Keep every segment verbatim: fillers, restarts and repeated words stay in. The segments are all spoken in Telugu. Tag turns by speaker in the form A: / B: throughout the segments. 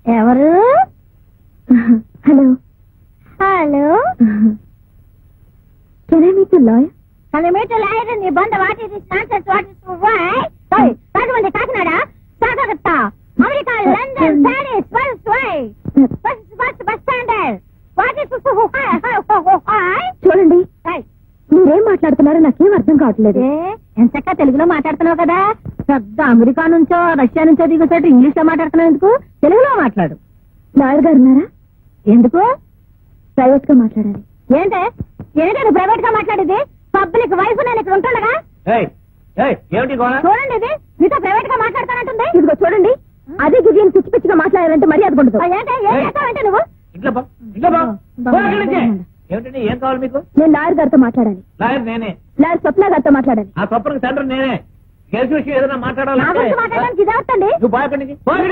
A: ఎవరు?
B: Hello
A: hello,
B: can I meet lawyer?
A: Kilometer lawyer నీ బంద what nonsense what why Rajahmundry Kakinada సాగరత్తా అమెరికా లండన్ ప్యారిస్ పల్స్ why bus bus bus standard what
B: చూడండి, మీరేం మాట్లాడుతున్నారో నాకేం అర్థం కావట్లేదు.
A: ఎంతక్క తెలుగులో మాట్లాడుతున్నావు కదా, పెద్ద అమెరికా నుంచో రష్యా నుంచో దిగుతాడు ఇంగ్లీష్ లో మాట్లాడుతున్నావు ఎందుకు? తెలుగులో మాట్లాడు.
B: లాయర్ గారు ఉన్నారా?
A: ఎందుకు?
B: ప్రైవేట్ గా మాట్లాడాలి.
A: ఏంటే ఏంటంటే ప్రైవేట్ గా మాట్లాడేది? పబ్లిక్ వైఫ్ నేను ఇక్కడ ఉంటుండగా చూడండి, ఇది మీతో ప్రైవేట్ గా మాట్లాడతానంటుంది.
B: ఇదిగో చూడండి, అదే గిరిని పిచ్చి పిచ్చిగా మాట్లాడాలంటే మరీ అది ఉండదు.
A: ఏంటే ఏం చేస్తావంటే నువ్వు?
C: ఏమిటండి, ఏం కావాలి మీకు?
B: నేను లాయర్ గారితో మాట్లాడాలి.
C: లాయర్ నేనే.
B: లాయర్ స్వప్న గారితో మాట్లాడాలి.
C: ఆ తప్పనికి సెంటర్ నేనే. కేసు విషయం ఏదైనా
A: నా
C: మాట్లాడాలంటే
A: గురించి మాట్లాడడానికి ఇది అవుతండి.
C: నువ్వు బాయపడికి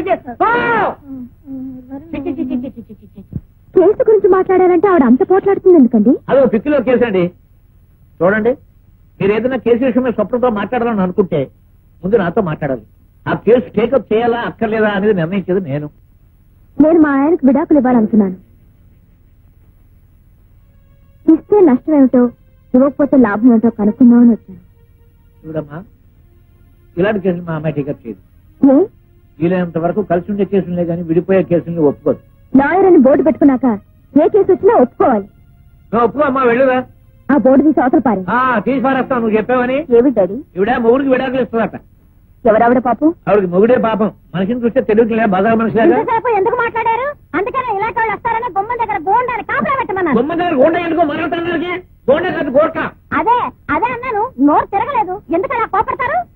B: కేసు గురించి మాట్లాడాలంటే ఆవిడ అంత పోట్లాడుతుంది ఎందుకండి?
C: అదో పిక్కిలో కేసు అండి. చూడండి, మీరు ఏదైనా కేసు విషయమే స్వప్నంతో మాట్లాడాలని అనుకుంటే ముందు నాతో మాట్లాడాలి. ఆ కేసు టేకప్ చేయాలా అక్కర్లేదా అనేది నిర్ణయించేది నేను.
B: నేను మా ఆయనకు విడాకులు ఇవ్వాలనుకున్నాను. ఇస్తే నష్టం ఏమిటో, ఇవ్వకపోతే లాభం ఏమిటో కనుక్కుందామని వచ్చాను.
C: చూడమ్మా, ఇలాంటి కేసులు మా అమ్మాయి టేకప్ చేయదు.
B: ఏ
C: వీలైనంత వరకు కలిసి ఉండే కేసులే కానీ విడిపోయే కేసుల్ని ఒప్పుకోదు.
B: లాయర్ అని బోర్డు పెట్టుకున్నాక ఏ కేసు వచ్చినా ఒప్పుకోవాలి.
C: నువ్వు ఒప్పుకో అమ్మా, వెళ్ళుదా.
B: ఆ బోర్డు తీసి అవతల పారే.
C: ఆ తీసి పారేస్తావు, నువ్వు చెప్పావని.
B: ఏమి డాడీ?
C: ఇవిడ మొగుడికి విడాకులు ఇస్తుందట.
B: ఎవరావిడ పాపం?
C: ఆవిడకి మొగుడే పాపం. మనిషిని చూస్తే తెలియట్లే, బజార్ మనిషిలాగా.
A: ఇంతసేపు ఎందుకు మాట్లాడారు? అందుకనే ఇలాంటి వాళ్ళు వస్తారని బొమ్మ దగ్గర గోండాన్ని కాపలా పెట్టమన్నాను.
C: బొమ్మ దగ్గర గోండ ఎందుకో మరొకటి గోండ కాదు గోర్ఖా.
A: అదే అదే అన్నాను, నోరు తిరగలేదు. ఎందుకు అలా కోపడతారు?